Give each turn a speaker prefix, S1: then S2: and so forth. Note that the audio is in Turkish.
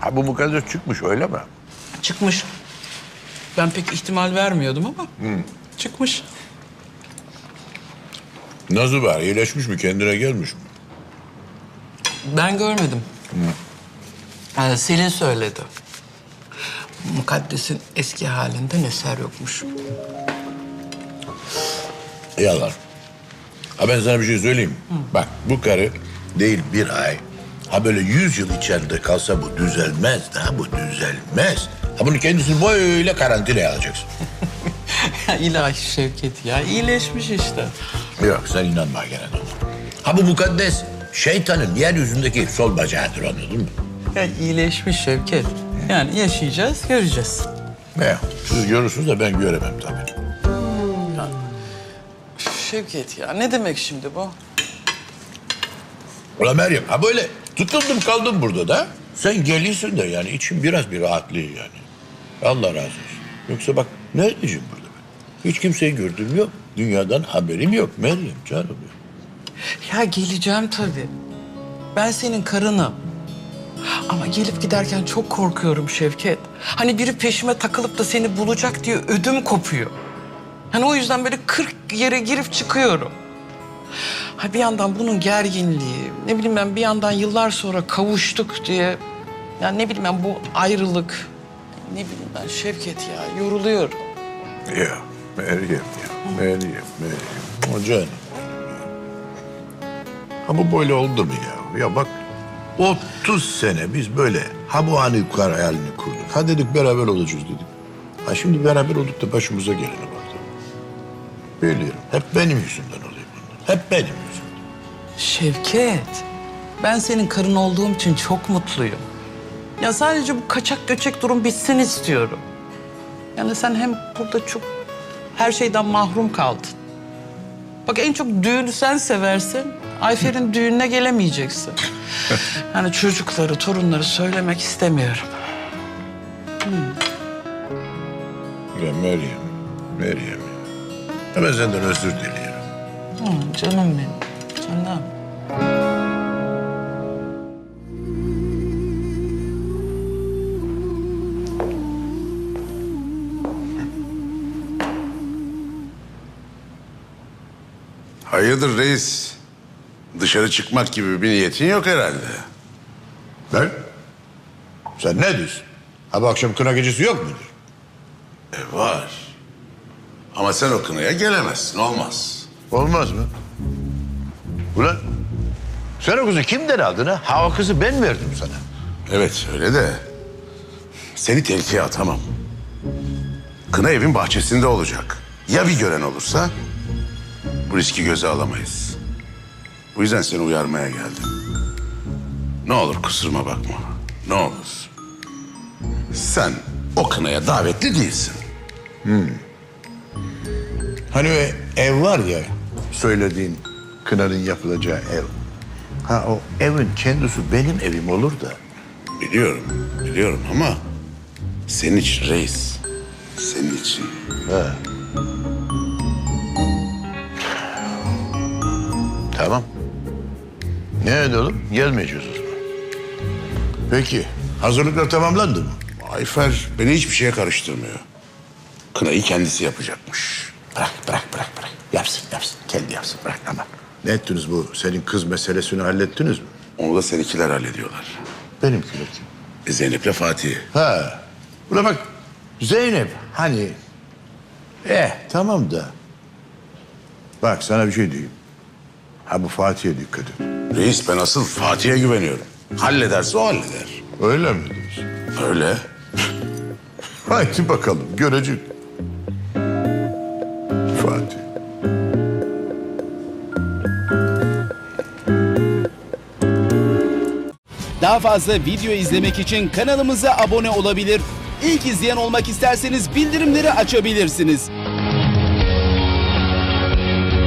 S1: Ha bu mukaddes çıkmış öyle mi?
S2: Çıkmış. Ben pek ihtimal vermiyordum ama çıkmış.
S1: Nasıl var? İyileşmiş mi? Kendine gelmiş mi?
S2: Ben görmedim. Selin söyledi. Mukaddes'in eski halinden eser yokmuş.
S1: Yalan. Ha ben sana bir şey söyleyeyim. Bak bu karı değil bir ay. Ha böyle 100 yıl içeride kalsa bu düzelmez. Ha bu düzelmez. Ha bunu kendisini böyle karantinaya alacaksın.
S2: Ya ilahi Şevket ya, iyileşmiş işte.
S1: Yok sen inanma gene de ona. Ha bu mukaddes şeytanın yeryüzündeki sol bacağıdır anladın mı?
S2: Ya iyileşmiş Şevket. Yani yaşayacağız, göreceğiz.
S1: Ne? Siz görürsünüz de ben göremem tabii.
S2: Şevket ya, ne demek şimdi bu?
S1: Ulan Meryem ha böyle tutundum kaldım burada da. Sen geliyorsun da yani içim biraz bir rahatlıyor yani. Allah razı olsun. Yoksa bak ne edeceğim burada ben? Hiç kimseyi gördüğüm yok. Dünyadan haberim yok Meryem canım ya.
S2: Ya geleceğim tabii. Ben senin karınım. Ama gelip giderken çok korkuyorum Şevket. Hani biri peşime takılıp da seni bulacak diye ödüm kopuyor. Hani o yüzden böyle 40 yere girip çıkıyorum. Ha bir yandan bunun gerginliği, ne bileyim ben bir yandan yıllar sonra kavuştuk diye... Ya ne bileyim ben bu ayrılık, ne bileyim ben Şevket ya yoruluyorum.
S1: Ya Meryem ya. Meryem. O canım. Ha bu böyle oldu mu ya? Ya bak 30 sene biz böyle ha bu anı hayalini kurduk. Ha dedik beraber olacağız dedik. Ha şimdi beraber olduk da başımıza gelene bak. Biliyorum. Hep benim yüzümden oluyor bunlar. Hep benim yüzümden.
S2: Şevket, ben senin karın olduğum için çok mutluyum. Ya sadece bu kaçak göçek durum bitsin istiyorum. Yani sen hem burada çok her şeyden mahrum kaldın. Bak en çok düğünü sen seversin. Ayfer'in düğününe gelemeyeceksin. Yani çocukları, torunları söylemek istemiyorum.
S1: Ya Meryem, Meryem ya. Ya ben senden özür diliyorum.
S2: Canım benim, canım.
S3: Hayırdır reis? Dışarı çıkmak gibi bir niyetin yok herhalde.
S1: Ben? Sen ne diyorsun? Ha bu akşam kına gecesi yok mudur?
S3: Var. Ama sen o kınaya gelemezsin, olmaz.
S1: Olmaz mı? Ulan sen o kızı kimden aldın ha? Ha o kızı ben verdim sana.
S3: Evet öyle de seni tehlikeye atamam. Kına evin bahçesinde olacak. Ya bir gören olursa bu riski göze alamayız. Bu yüzden seni uyarmaya geldim. Ne olur kusuruma bakma. Ne olur. Sen o kınaya davetli değilsin.
S1: Hani o ev var ya söylediğin kınanın yapılacağı ev. Ha o evin kendisi benim evim olur da.
S3: Biliyorum ama senin için reis. Senin için.
S1: Tamam. Ne edelim? Gelmeyeceğiz o zaman. Peki hazırlıklar tamamlandı mı?
S3: Ayfer beni hiçbir şeye karıştırmıyor. Kınayı kendisi yapacakmış.
S1: Bırak. Yapsın. Kendi yapsın. Bırak ama. Ne ettiniz bu? Senin kız meselesini hallettiniz mi?
S3: Onu da seninkiler hallediyorlar.
S1: Benimkiler kim?
S3: Zeynep'le Fatih.
S1: Ha. Buna bak. Zeynep hani. Tamam da. Bak sana bir şey diyeyim. Ha bu Fatih'e dikkat et.
S3: Reis ben asıl Fatih'e güveniyorum. Hallederse o halleder.
S1: Öyle mi diyorsun?
S3: Öyle.
S1: Haydi bakalım görecek. Fatih.
S4: Daha fazla video izlemek için kanalımıza abone olabilir. İlk izleyen olmak isterseniz bildirimleri açabilirsiniz.